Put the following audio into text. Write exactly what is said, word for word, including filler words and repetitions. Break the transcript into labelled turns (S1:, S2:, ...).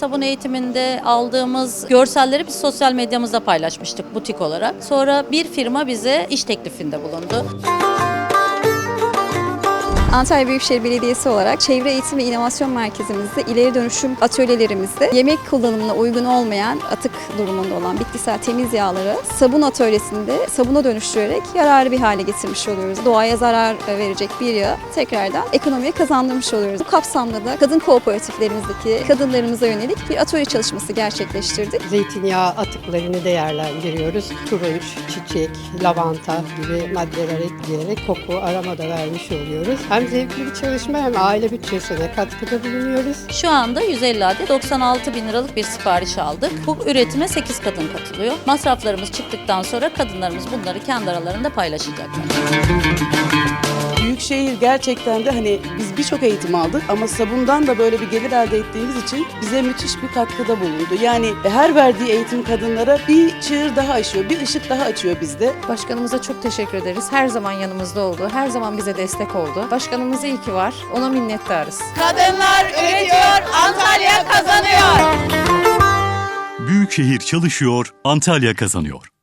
S1: sabun eğitiminde aldığımız görselleri biz sosyal medyamızda paylaşmıştık butik olarak. Sonra bir firma bize iş teklifinde bulundu.
S2: Antalya Büyükşehir Belediyesi olarak Çevre Eğitim ve İnovasyon Merkezimizde ileri dönüşüm atölyelerimizde yemek kullanımına uygun olmayan atık durumunda olan bitkisel temiz yağları sabun atölyesinde sabuna dönüştürerek yararlı bir hale getirmiş oluyoruz. Doğaya zarar verecek bir yağı tekrardan ekonomiye kazandırmış oluyoruz. Bu kapsamda da kadın kooperatiflerimizdeki kadınlarımıza yönelik bir atölye çalışması gerçekleştirdik.
S3: Zeytinyağı atıklarını değerlendiriyoruz. Turunç, çiçek, lavanta gibi maddeler ekleyerek koku arama da vermiş oluyoruz. Hem zevkli bir çalışma hem aile bütçesine katkıda bulunuyoruz.
S1: Şu anda yüz elli adet doksan altı bin liralık bir sipariş aldık. Bu üretime sekiz kadın katılıyor. Masraflarımız çıktıktan sonra kadınlarımız bunları kendi aralarında paylaşacaklar.
S4: Büyükşehir gerçekten de hani biz birçok eğitim aldık ama sabundan da böyle bir gelir elde ettiğimiz için bize müthiş bir katkıda bulundu. Yani her verdiği eğitim kadınlara bir çığır daha açıyor, bir ışık daha açıyor bizde.
S5: Başkanımıza çok teşekkür ederiz. Her zaman yanımızda oldu. Her zaman bize destek oldu. Başkanımız iyi ki var. Ona minnettarız.
S6: Kadınlar üretiyor, Antalya kazanıyor.
S7: Büyükşehir çalışıyor, Antalya kazanıyor.